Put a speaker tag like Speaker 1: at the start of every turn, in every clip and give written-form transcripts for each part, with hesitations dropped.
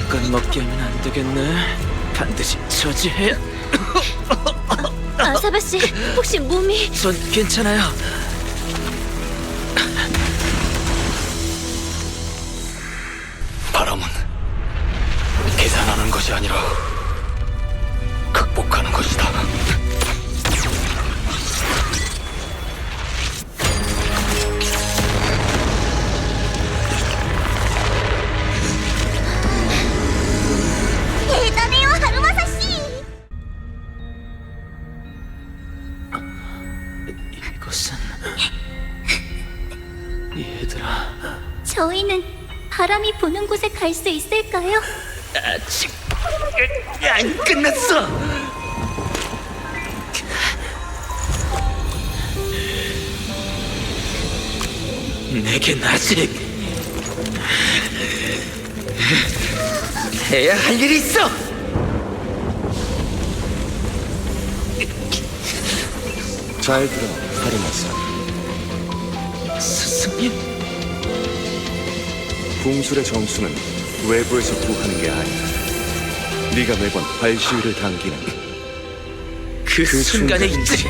Speaker 1: 마음껏 먹게 하면 안 되겠네. 반드시 저지해.
Speaker 2: 아사바 씨, 혹시 몸이...
Speaker 1: 전 괜찮아요. 바람은 계산하는 것이 아니라 극복하는 것이다.
Speaker 2: 대단해요, 하루마사 씨!
Speaker 1: 이것은... 얘들아...
Speaker 2: 저희는 바람이 부는 곳에 갈 수 있을까요?
Speaker 1: 아직 안 끝났어. 내겐 아직 해야 할 일이 있어.
Speaker 3: 잘 들어, 하루마사.
Speaker 1: 스승님,
Speaker 3: 궁술의 정수는 외부에서 구하는 게 아니다. 네가 매번 발시위를 당기는
Speaker 1: 그 순간에 있지.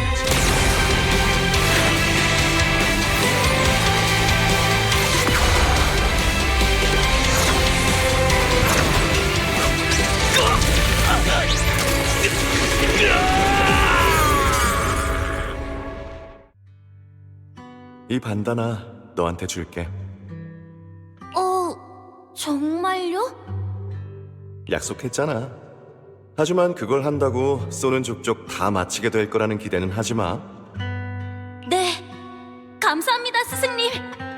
Speaker 3: 이 반다나 너한테 줄게.
Speaker 2: 정말요?
Speaker 3: 약속했잖아. 하지만 그걸 한다고 쏘는 족족 다 마치게 될 거라는 기대는 하지 마.
Speaker 2: 네, 감사합니다, 스승님.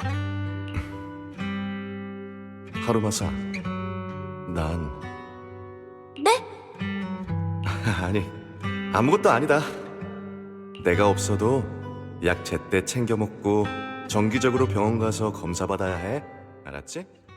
Speaker 3: 하루마사, 난
Speaker 2: 네?
Speaker 3: 아니, 아무것도 아니다. 내가 없어도 약 제때 챙겨 먹고 정기적으로 병원 가서 검사 받아야 해. 알았지?